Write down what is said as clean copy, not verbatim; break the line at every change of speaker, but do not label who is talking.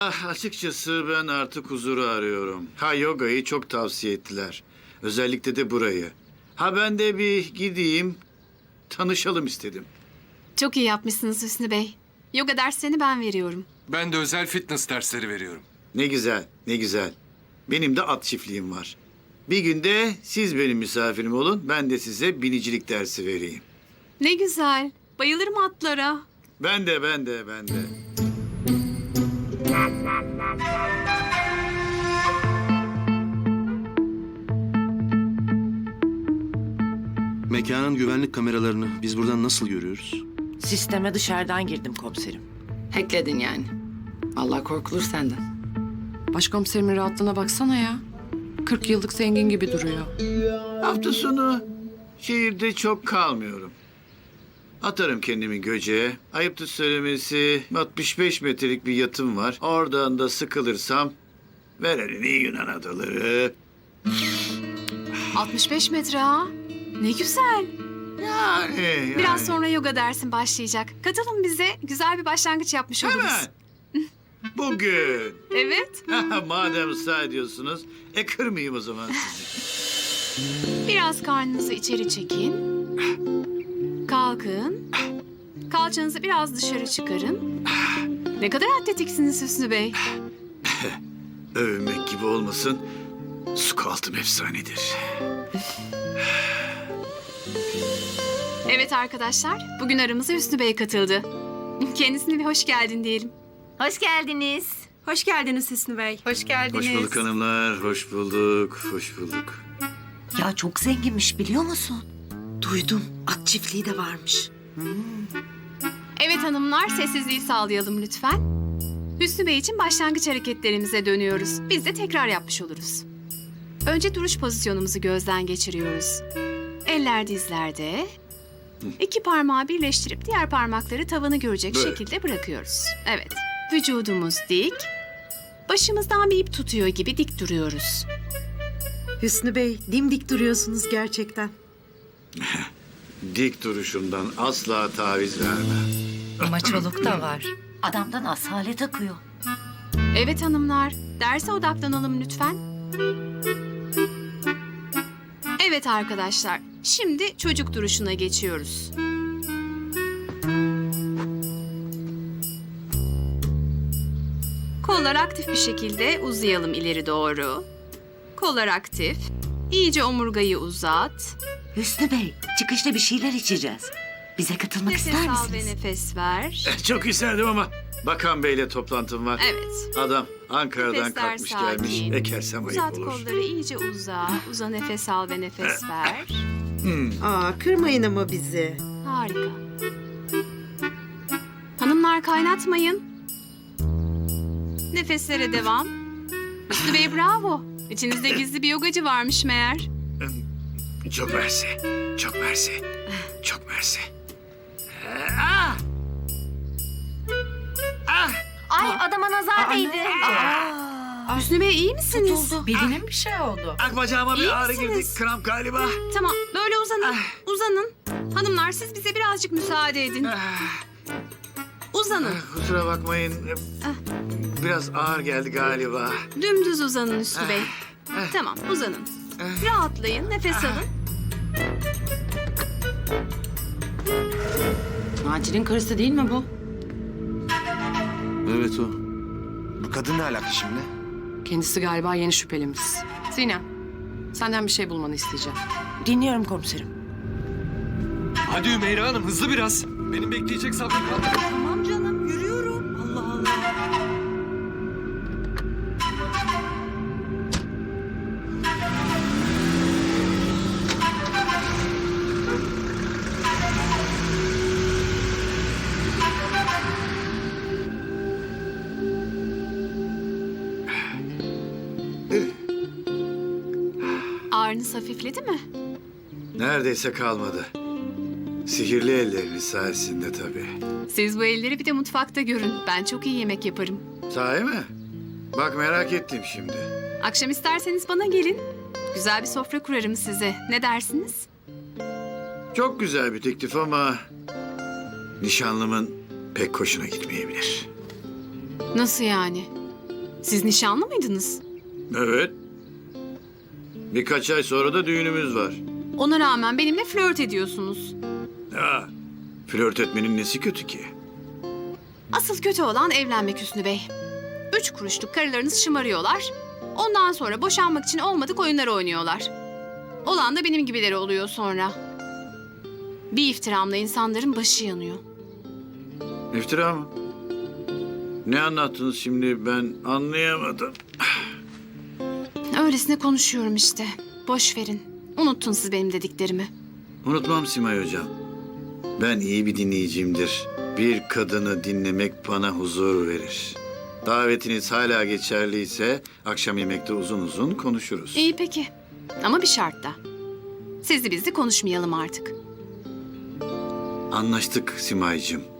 Açıkçası ben artık huzuru arıyorum. Yogayı çok tavsiye ettiler. Özellikle de burayı. Ben de bir gideyim, tanışalım istedim.
Çok iyi yapmışsınız Hüsnü Bey. Yoga derslerini ben veriyorum.
Ben de özel fitness dersleri veriyorum.
Ne güzel, ne güzel. Benim de at çiftliğim var. Bir günde siz benim misafirim olun, ben de size binicilik dersi vereyim.
Ne güzel. Bayılırım atlara.
Ben de.
Mekanın güvenlik kameralarını biz buradan nasıl görüyoruz?
Sisteme dışarıdan girdim komiserim.
Hackledin yani. Allah korkulur senden.
Başkomiserimin rahatlığına baksana ya. 40 yıllık zengin gibi duruyor.
Hafta sonu şehirde çok kalmıyorum. Atarım kendimi göceğe. Ayıptır söylemesi 65 metrelik bir yatım var. Oradan da sıkılırsam ver elini Yunan adaları.
65 metre ha. Ne güzel.
Yani.
Biraz sonra yoga dersin başlayacak. Katılın bize. Güzel bir başlangıç yapmış oluruz.
Hemen. Bugün.
Evet.
Madem ısrar ediyorsunuz, kırmayayım o zaman sizi.
Biraz karnınızı içeri çekin. Kalkın. Kalçanızı biraz dışarı çıkarın. Ne kadar atletiksiniz Hüsnü Bey.
Övünmek gibi olmasın, squat'ım efsanedir.
Evet arkadaşlar, bugün aramıza Hüsnü Bey katıldı. Kendisine bir hoş geldin diyelim.
Hoş geldiniz.
Hoş geldiniz Hüsnü Bey.
Hoş geldiniz.
Hoş bulduk hanımlar, hoş bulduk, hoş bulduk.
Ya çok zenginmiş biliyor musun?
Duydum. At çiftliği de varmış.
Evet hanımlar, sessizliği sağlayalım lütfen. Hüsnü Bey için başlangıç hareketlerimize dönüyoruz. Biz de tekrar yapmış oluruz. Önce duruş pozisyonumuzu gözden geçiriyoruz. Eller dizlerde. İki parmağı birleştirip diğer parmakları tavanı görecek
Böyle.
şekilde bırakıyoruz. Evet. Vücudumuz dik. Başımızdan bir ip tutuyor gibi dik duruyoruz.
Hüsnü Bey, dimdik duruyorsunuz gerçekten.
Dik duruşumdan asla taviz vermem.
Maçoluk da var. Adamdan asalet akıyor.
Evet hanımlar, derse odaklanalım lütfen. Evet arkadaşlar, şimdi çocuk duruşuna geçiyoruz. Kollar aktif bir şekilde uzayalım ileri doğru. Kollar aktif. İyice omurgayı uzat.
Hüsnü Bey, çıkışta bir şeyler içeceğiz. Bize katılmak
Nefes
ister
al ve
misiniz?
nefes ver.
Çok isterdim ama Bakan Bey'le toplantım var.
Evet.
Adam Ankara'dan
Nefesler
kalkmış gelmiş.
sakin.
Ekersem ayıp
Uzat
olur.
kolları iyice uza. Uza nefes al ve nefes ver.
Aa, kırmayın ama bizi.
Harika. Hanımlar kaynatmayın. Nefeslere devam. Hüsnü Bey bravo. İçinizde gizli bir yogacı varmış meğer.
Çok mersi, çok mersi, çok mersi.
Ay adama nazar değdi.
Hüsnü Bey iyi misiniz?
Beline bir şey oldu.
Bacağıma
İyi
bir ağrı
misiniz?
girdi, kramp galiba.
Tamam böyle uzanın. Uzanın. Hanımlar siz bize birazcık müsaade edin. Uzanın.
Kusura bakmayın, biraz ağır geldi galiba.
Dümdüz uzanın Hüsnü Bey. Tamam uzanın. Rahatlayın nefes alın.
Macir'in karısı değil mi bu?
Evet o.
Bu kadın ne alaka şimdi?
Kendisi galiba yeni şüphelimiz. Sinem, senden bir şey bulmanı isteyeceğim.
Dinliyorum komiserim.
Hadi Ümeyra Hanım hızlı biraz. Benim bekleyecek sabrım kalmadı.
Tamam canım, yürüyorum. Allah Allah.
Ağrınız hafifledi mi?
Neredeyse kalmadı. Sihirli elleriniz sayesinde tabii.
Siz bu elleri bir de mutfakta görün. Ben çok iyi yemek yaparım.
Sahi mi? Bak merak ettim şimdi.
Akşam isterseniz bana gelin. Güzel bir sofra kurarım size. Ne dersiniz?
Çok güzel bir teklif ama nişanlımın pek hoşuna gitmeyebilir.
Nasıl yani? Siz nişanlı mıydınız?
Evet. Birkaç ay sonra da düğünümüz var.
Ona rağmen benimle flört ediyorsunuz.
Ya, flört etmenin nesi kötü ki?
Asıl kötü olan evlenmek Hüsnü Bey. 3 kuruşluk karılarınız şımarıyorlar. Ondan sonra boşanmak için olmadık oyunlar oynuyorlar. Olan da benim gibileri oluyor sonra. Bir iftiramla insanların başı yanıyor.
İftira mı? Ne anlattınız şimdi, ben anlayamadım.
Öylesine konuşuyorum işte. Boş verin. Unuttun siz benim dediklerimi.
Unutmam Simay Hocam. Ben iyi bir dinleyicimdir. Bir kadını dinlemek bana huzur verir. Davetiniz hala geçerliyse akşam yemekte uzun uzun konuşuruz.
İyi peki. Ama bir şartla. Sizli bizli konuşmayalım artık.
Anlaştık Simay'cığım.